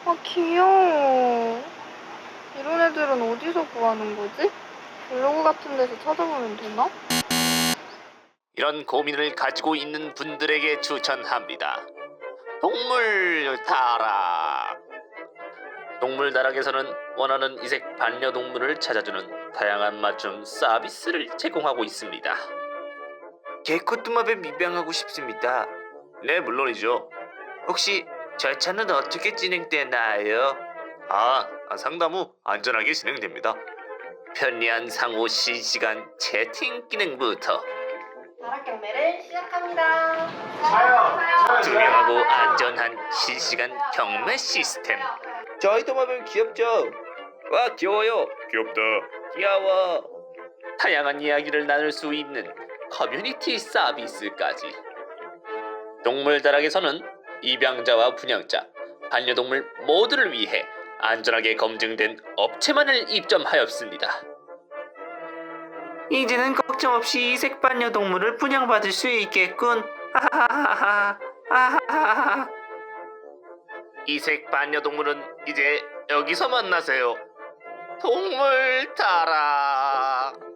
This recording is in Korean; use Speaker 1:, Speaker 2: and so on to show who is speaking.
Speaker 1: 아, 귀여워. 이런 애들은 어디서 구하는 거지? 블로그 같은 데서 찾아보면 되나?
Speaker 2: 이런 고민을 가지고 있는 분들에게 추천합니다. 동물 다락. 동물 다락에서는 원하는 이색 반려동물을 찾아주는 다양한 맞춤 서비스를 제공하고 있습니다. 개코뚜마뱀 입양하고 싶습니다. 네, 물론이죠. 혹시 절차는 어떻게 진행되나요? 상담 후 안전하게 진행됩니다. 편리한 상호 실시간 채팅 기능부터
Speaker 1: 다락 경매를 시작합니다.
Speaker 2: 투명하고 안전한 실시간 경매 시스템. 저희 도마뱀 귀엽죠? 와, 귀여워요. 귀엽다. 귀여워. 다양한 이야기를 나눌 수 있는 커뮤니티 서비스까지. 동물 다락에서는 입양자와 분양자, 반려동물 모두를 위해 안전하게 검증된 업체만을 입점하였습니다. 이제는 걱정 없이 이색 반려동물을 분양받을 수 있겠군. 하하하하. 이색 반려동물은 이제 여기서 만나세요. 동물 다락.